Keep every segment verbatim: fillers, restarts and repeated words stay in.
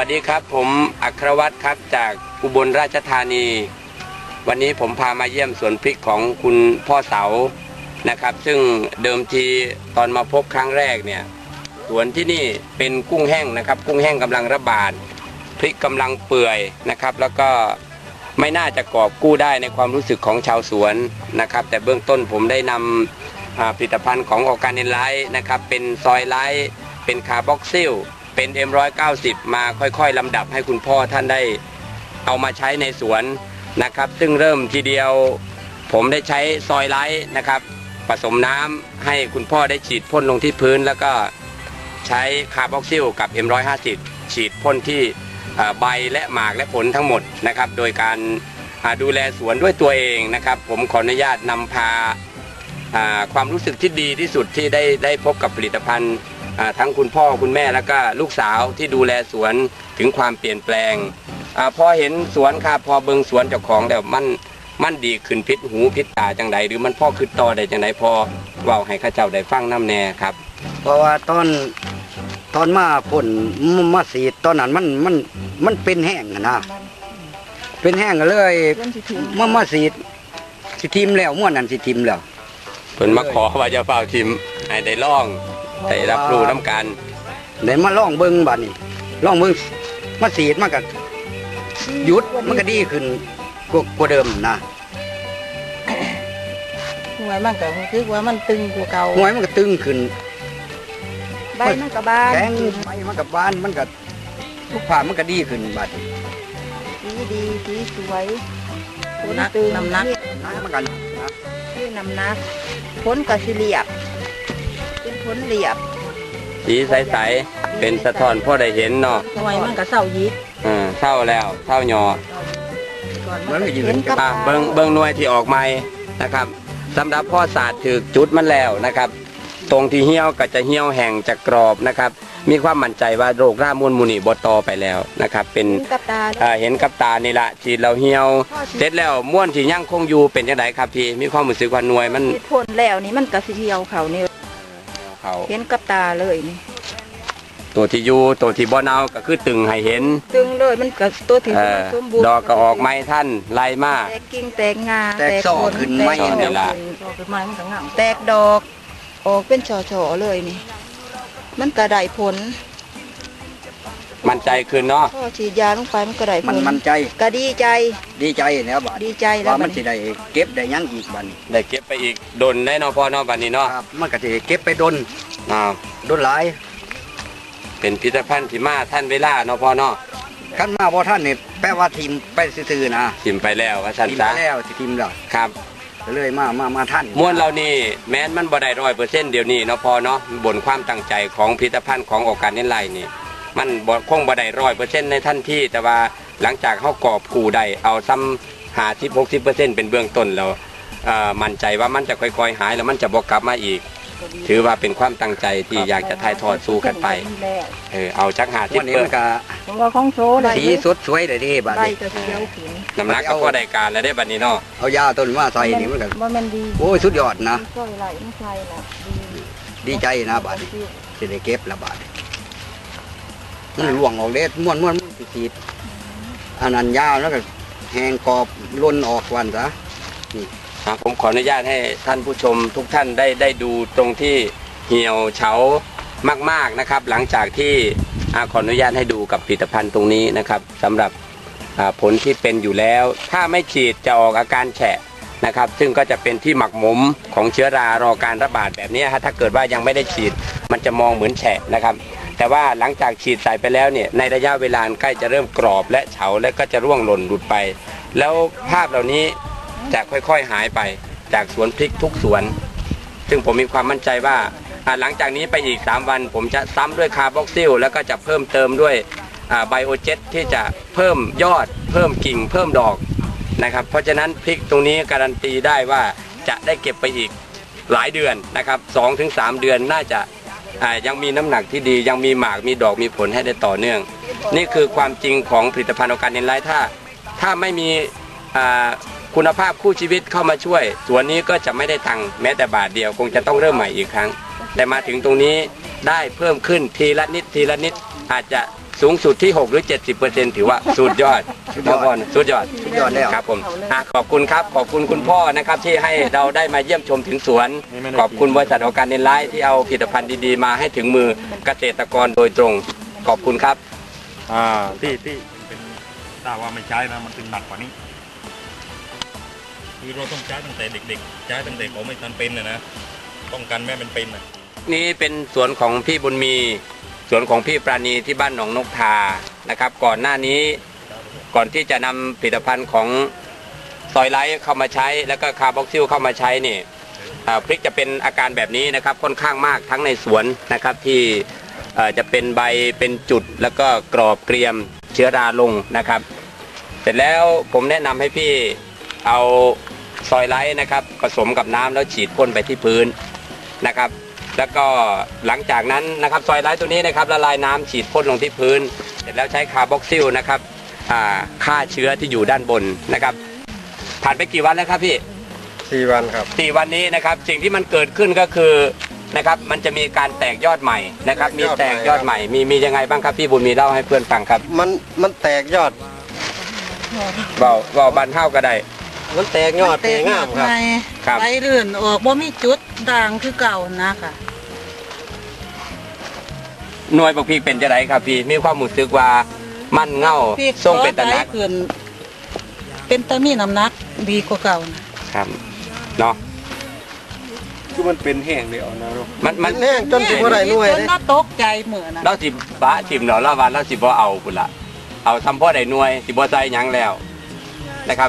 วัสดีครับผมอัครวัฒน์ครับจากอุบลราชธานีวันนี้ผมพามาเยี่ยมสวนพริกของคุณพ่อเสานะครับซึ่งเดิมทีตอนมาพบครั้งแรกเนี่ยสวนที่นี่เป็นกุ้งแห้งนะครับกุ้งแห้งกำลังระบาดพริกกำลังเปื่อยนะครับแล้วก็ไม่น่าจะกอบกู้ได้ในความรู้สึกของชาวสวนนะครับแต่เบื้องต้นผมได้นำผลิตภัณฑ์ของออร์แกนิไลท์นะครับเป็นซอยไลท์เป็นคาร์บอกซิลเป็น เอ็ม หนึ่งร้อยเก้าสิบ มาค่อยๆลำดับให้คุณพ่อท่านได้เอามาใช้ในสวนนะครับซึ่งเริ่มทีเดียวผมได้ใช้ซอยไลท์นะครับผสมน้ำให้คุณพ่อได้ฉีดพ่นลงที่พื้นแล้วก็ใช้คาร์บอกซิลกับ เอ็ม หนึ่งร้อยห้าสิบ ฉีดพ่นที่ใบและหมากและผลทั้งหมดนะครับโดยการดูแลสวนด้วยตัวเองนะครับผมขออนุญาตนำพาความรู้สึกที่ดีที่สุดที่ได้ได้พบกับผลิตภัณฑ์ทั้งคุณพ่อคุณแม่แล้วก็ลูกสาวที่ดูแลสวนถึงความเปลี่ยนแปลงอพอเห็นสวนครับพอเบิ่งสวนเจ้าของแล้วมันมันดีขึ้นพิษหูพิษตาจังใดหรือมันพ่อคือต่อได้จังใดพอเว้าให้ข้าเจ้าได้ฟังน้ำแน่ครับเพราะว่าตอนตอนมาผลมาสีตอนนั้นมันมันมันเป็นแห้งนะเป็นแห้งเลยมามาสีสิทิมแล้วม้วนนั้นสิทิมแล้วเพิ่นมาขอว่าจะเฝ้าทิมให้ได้ล่องได้รับรู้น้ำกันเดี๋ยวมาล่องเบิ้งบัดนี้ล่องเบิ้งมาสีดมันก็หยุดมันก็ดีขึ้นกว่าเดิมนะหัวมันก็คือว่ามันตึงกว่าเก่าหัวมันก็ตึงขึ้นใบมันก็บานแข็งใบมันก็บานมันก็ทุกผ่ามันก็ดีขึ้นบัดดีดีดีสวยผลตึงน้ำหนักน้ำมันกันนะคือน้ำหนักผลก็สิเรียบเป็นผลเรียบสีใสๆเป็นสะท้อนพ่อได้เห็นเนาะหน่วยมันก็เศร้ายิบอ่าเศร้าแล้วเศร้าหยอมันก็ยืนอ่าเบิ้งเบิ้งหน่วยที่ออกใหม่นะครับสำหรับพ่อศาสตร์ถือจุดมันแล้วนะครับตรงที่เหี่ยวก็จะเหี่ยวแห้งจะกรอบนะครับมีความมั่นใจว่าโรครามูลมูนี่บตอไปแล้วนะครับเป็นเห็นกับตานี่แหละฉีดเราเหี่ยวเสร็จแล้วม้วนที่ยั่งคงอยู่เป็นยังไงครับพี่มีความรู้สึกว่าหน่วยมันพ่นแล้วนี่มันก็สิเหี่ยวเขานี่เห็นกับตาเลยนี่ตัวที่อยู่ตัวที่บ่เน่าก็คือตึงให้เห็นตึงเลยมันก็ตัวที่สมบูรณ์ดอกก็ออกไม้ท่านไล่มาแตกกิ่งแตกงาแตกซ่อขึ้นไม้นี่ละแตกดอกออกเป็นช่อๆเลยนี่มันก็ได้ผลมั่นใจขึ้นเนาะพอฉีดยาลงไปมันก็ได้ผลมันมั่นใจก็ดีใจดีใจแล้วบัดดีใจแล้วมันจะได้เก็บได้ยังอีกบัดนี้ได้เก็บไปอีกดนได้เนาะพอเนาะบัดนี้เนาะครับมันก็จะเก็บไปดนอ้าวดนหลายเป็นพิพิธภัณฑ์ที่มาท่านเวลาเนาะพอเนาะขั้นมาพอท่านนี่แปลว่าทีมไปซื่อๆนะทีมไปแล้วว่าท่านจ้าทีมไปแล้วทีมแล้วครับเลยมามามาท่านม้วนเรานี่แม้นมันบ่ได้ร้อยเปอร์เซ็นต์เดี๋ยวนี้เนาะพอเนาะบนความตั้งใจของพิพิธภัณฑ์ของออร์แกนิไลท์นี่มันบ่คงบ่ได้ร้อยเปอร์เซ็นต์ในทันทีแต่ว่าหลังจากเขากอบกูได้เอาซ้ำหาสิบหกสิบเปอร์เซ็นต์เป็นเบื้องต้นแล้วมั่นใจว่ามันจะค่อยๆหายแล้วมันจะบ่กลับมาอีกถือว่าเป็นความตั้งใจที่อยากจะถ่ายทอดสู่กันไปเออเอาจักหาที่เปิดสีสดสวยเลยดิบัดนี้น้ำหนักก็พอได้การแล้วได้บัดนี้เนาะเอายาต้นว่าใส่นี่มันก็โอ้ยสุดยอดนะดีใจนะบัดนี้จะได้เก็บละบัดมันหลวงออกเล็ดม้วนม้วนมันสีดอันนั้นยาวแล้วก็แห้งกรอบล้นออกวันซะนี่ผมขออนุญาตให้ท่านผู้ชมทุกท่านได้ได้ดูตรงที่เหี่ยวเฉามากๆนะครับหลังจากที่ขออนุญาตให้ดูกับผลิตภัณฑ์ตรงนี้นะครับสำหรับผลที่เป็นอยู่แล้วถ้าไม่ฉีดจะออกอาการแฉะนะครับซึ่งก็จะเป็นที่หมักหมมของเชื้อรารอการระบาดแบบนี้ถ้าเกิดว่ายังไม่ได้ฉีดมันจะมองเหมือนแฉะนะครับแต่ว่าหลังจากฉีดใส่ไปแล้วเนี่ยในระยะเวลาใกล้จะเริ่มกรอบและเฉาและก็จะร่วงหล่นหลุดไปแล้วภาพเหล่านี้จะค่อยๆหายไปจากสวนพริกทุกสวนซึ่งผมมีความมั่นใจว่าหลังจากนี้ไปอีกสามวันผมจะซ้ำด้วยคาร์บอกซิลแล้วก็จะเพิ่มเติมด้วยไบโอเจ็ตที่จะเพิ่มยอดเพิ่มกิ่งเพิ่มดอกนะครับเพราะฉะนั้นพริกตรงนี้การันตีได้ว่าจะได้เก็บไปอีกหลายเดือนนะครับ สองถึงสาม เดือนน่าจะยังมีน้ำหนักที่ดียังมีหมากมีดอกมีผลให้ได้ต่อเนื่องนี่คือความจริงของผลิตภัณฑ์ออร์แกนิไลท์ถ้าถ้าไม่มีคุณภาพคู่ชีวิตเข้ามาช่วยสวนนี้ก็จะไม่ได้ตังค์แม้แต่บาทเดียวคงจะต้องเริ่มใหม่อีกครั้งแต่มาถึงตรงนี้ได้เพิ่มขึ้นทีละนิดทีละนิดอาจจะสูงสุดที่หกหรือ เจ็ดสิบเปอร์เซ็นต์ ถือว่าสุดยอดสุดยอดพ่อสุดยอดสุดยอดแล้วครับผมอ่ะขอบคุณครับขอบคุณคุณพ่อนะครับที่ให้เราได้มาเยี่ยมชมถึงสวน ขอบคุณบริษัทออร์แกนิกไลท์ที่เอาผลิตภัณฑ์ดีๆมาให้ถึงมือเกษตรกรโดยตรง ขอบคุณครับอ่าที่ที่เป็นถ้าว่าไม่ใช้นะมันเป็นหนักกว่านี้คือเราต้องใช้ตั้งแต่เด็กๆใช้ตั้งแต่เขาไม่ทันเป็นนะนะป้องกันแม่เป็นเป็นนะนี่เป็นสวนของพี่บุญมีสวนของพี่ปราณีที่บ้านหนองนกทานะครับ ก่อนหน้านี้ก่อนที่จะนำผลิตภัณฑ์ของซอยไลท์เข้ามาใช้ แล้วก็คาร์บอกซิลเข้ามาใช้นี่อ่าพริกจะเป็นอาการแบบนี้นะครับค่อนข้างมากทั้งในสวนนะครับที่เอ่อจะเป็นใบเป็นจุดแล้วก็กรอบเกรียมเชื้อราลงนะครับ เสร็จแล้วผมแนะนำให้พี่เอาซอยไลท์นะครับผสมกับน้ำแล้วฉีดพ่นไปที่พื้นนะครับ แล้วก็หลังจากนั้นนะครับซอยไลท์ตัวนี้นะครับละลายน้ำฉีดพ่นลงที่พื้น เสร็จแล้วใช้คาร์บอกซิลนะครับอ่าฆ่าเชื้อที่อยู่ด้านบนนะครับผ่านไปกี่วันแล้วครับพี่สี่วันครับสี่วันนี้นะครับสิ่งที่มันเกิดขึ้นก็คือนะครับมันจะมีการแตกยอดใหม่นะครับมีแตกยอดใหม่มีมียังไงบ้างครับพี่บุญมีเล่าให้เพื่อนฟังครับมันมันแตกยอดเบาเบาบันเท่าก็ได้มันแตกยอดแตกงามครับครับไปเรื่นออกบ่มีจุดด่างคือเก่านะค่ะหน่วยบักพีเป็นจะไรครับพี่มีความรู้สึกว่ามันเง่าพี่ทรงเป็นตะนักขอไปขึ้นเป็นตะมีน้ำหนักดีกว่าเก่านะครับเนาะคือมันเป็นแห้งเดียวนะลูกมันมัมัน นแห้งจนสิบ่ได้หน่วยจนเลยน่าตกใจเหมือนนะเราสิบ้าทิมเนาะละวันเราสิบ่เอาพุ่นละเอาทำพ่อได้หน่วยสิบ่ใจหยังแล้วนะครับ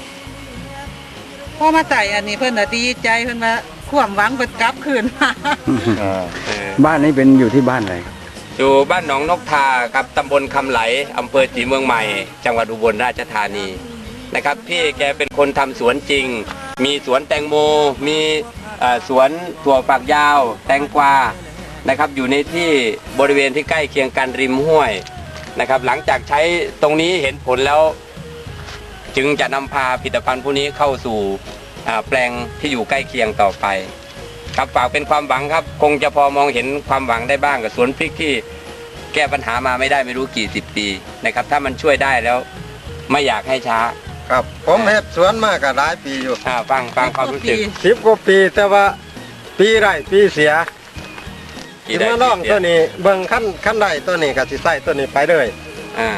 พอมาใส่อันนี้เพิ่นน่ะดีใจเพิ่นว่าความหวังเพิ่นกลับคืนมาอ่าเออบ้านนี้เป็นอยู่ที่บ้านอะไรครับอยู่บ้านหนองนกทาครับตำบลคำไหลอำเภอศรีเมืองใหม่ จังหวัดอุบลราชธานีนะครับพี่แกเป็นคนทำสวนจริง มีสวนแตงโม มีเอ่อสวนถั่วฝักยาว แตงกวานะครับอยู่ในที่บริเวณที่ใกล้เคียงกันริมห้วยนะครับหลังจากใช้ตรงนี้เห็นผลแล้ว จึงจะนำพาผลิตภัณฑ์พวกนี้เข้าสู่อ่าแปลงที่อยู่ใกล้เคียงต่อไป ครับฝากเป็นความหวังครับ คงจะพอมองเห็นความหวังได้บ้างกับสวนพริกที่แก้ปัญหามาไม่ได้ไม่รู้กี่สิบปีนะครับถ้ามันช่วยได้แล้วไม่อยากให้ช้าครับ ผมเฮ็ดสวนมาก็หลายปีอยู่อ่าฟังฟังความรู้สึกสิบกว่าปีแต่ว่าปีไร่ปีเสียกี่สิได้มาลองกี่เสียตัวนี้เบิ่งขั้นขั้นใดตัวนี้ก็สิใส่ตัวนี้ไปเลยอ่า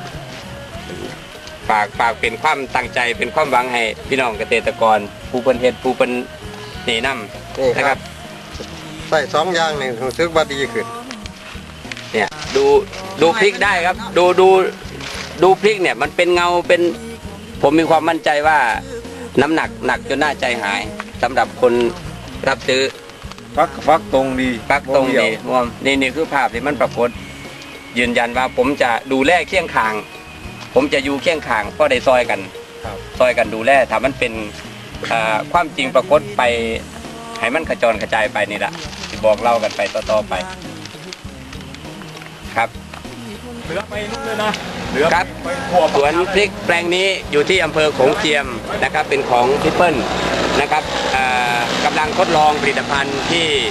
ฝากฝากเป็นความตั้งใจเป็นความหวังให้พี่น้องเกษตรกร ผู้เป็นเฮ็ดผู้เป็นหนีนำนี่นะคครัรับบ ใส่สองอย่างนี่รู้สึกว่าดีขึ้นเนี่ยดูดูพริกได้ครับ ดูดูดูพริกเนี่ยมันเป็นเงาเป็นผมมีความมั่นใจว่าน้ำหนักหนักจนน่าใจหายสำหรับคนรับซื้อฟักฟักตรงดีปักตรงเดียวดีรวมนี่นี่คือภาพที่มันปรากฏยืนยันว่าผมจะดูแลเคียงข้าง ผมจะอยู่เคียงข้างเพราะได้ซอยกันครับซอยกันดูแลถ้ามันเป็นอ่าความจริงปรากฏไปให้มันกระจรกระจายไปนี่แหละที่บอกเล่ากันไปต่อๆไป ครับเหลือไปนู่นเลยนะเหลือครับไปทั่วสวนพริกแปลงนี้อยู่ที่อำเภอโขงเจียมนะครับเป็นของพี่เปิ้ลนะครับอ่ากำลังทดลองผลิตภัณฑ์ที่